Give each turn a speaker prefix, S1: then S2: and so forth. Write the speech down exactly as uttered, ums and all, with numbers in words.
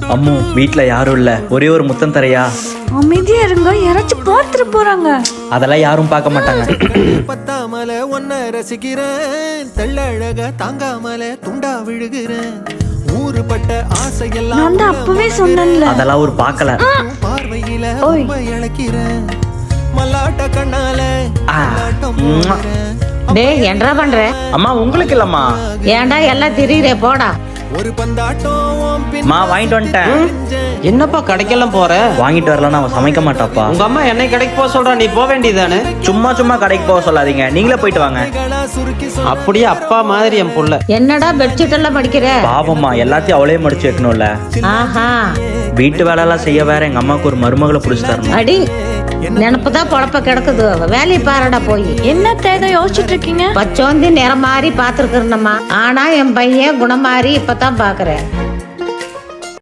S1: அம்மு வீட்ல யாரும் இல்ல, ஒரே ஒரு முத்தம் தரையா?
S2: அமைதியா இருங்க, யாராச்சும் பார்த்துட்டு போறாங்க.
S1: அதெல்லாம் யாரும் பார்க்க மாட்டாங்க.
S3: பத்தாமல ஒன்ன ரசிக்கிறேன், தெள்ளழக தாங்காமல துண்டா விழுகிறேன். ஊருப்பட்ட ஆசையெல்லாம்
S2: நான் தான் அப்பவே சொன்னேன்ல.
S1: அதெல்லாம் ஒரு பார்க்கல.
S3: பார்வையில ரொம்ப இழக்கிறேன். மல்லாட்ட கண்ணால
S4: டேய் என்னடா பண்ற?
S1: அம்மா உங்களுக்கு இல்லம்மா.
S4: ஏன்டா எல்லாம் திரியிற போடா.
S3: ஒரு பந்தாட்டம்
S1: மா வாங்கிட்டு வந்துட்டேன்.
S5: என்னப்பா கடைக்கெல்லாம் போற?
S1: வாங்கிட்டு வரலன்னா அவன் சமைக்க மாட்டாப்பா.
S5: உங்க அம்மா என்னை கடைக்கு போக சொல்றா, நீ போக வேண்டியதானே?
S1: சும்மா சும்மா கடைக்கு போக சொல்லாதீங்க, நீங்களே போயிட்டு வாங்க.
S3: சுருக்கி
S5: அப்படியே அப்பா மாதிரி என் புள்ள.
S4: என்னடா பெட்ஷீட் எல்லாம் மடிக்கிற?
S1: பாவம்மா, எல்லாத்தையும் அவளே மடிச்சு வைக்கணும்ல.
S4: ஆஹா,
S1: வீட்டு வேலை எல்லாம் செய்ய வேற எங்க அம்மாவுக்கு ஒரு மருமகளை புடிச்சு தரணும்.
S4: அடி நினப்புதான் பொழப்ப கிடக்குது. வேலையை பாருடா போய்.
S2: என்ன தேவை யோசிச்சுட்டு இருக்கீங்க?
S4: பச்சோந்தி நிறம் மாறி பாத்துருக்கிறேன்னம்மா. ஆனா என் பையன் குணம் மாறி இப்பதான் பாக்குறேன்.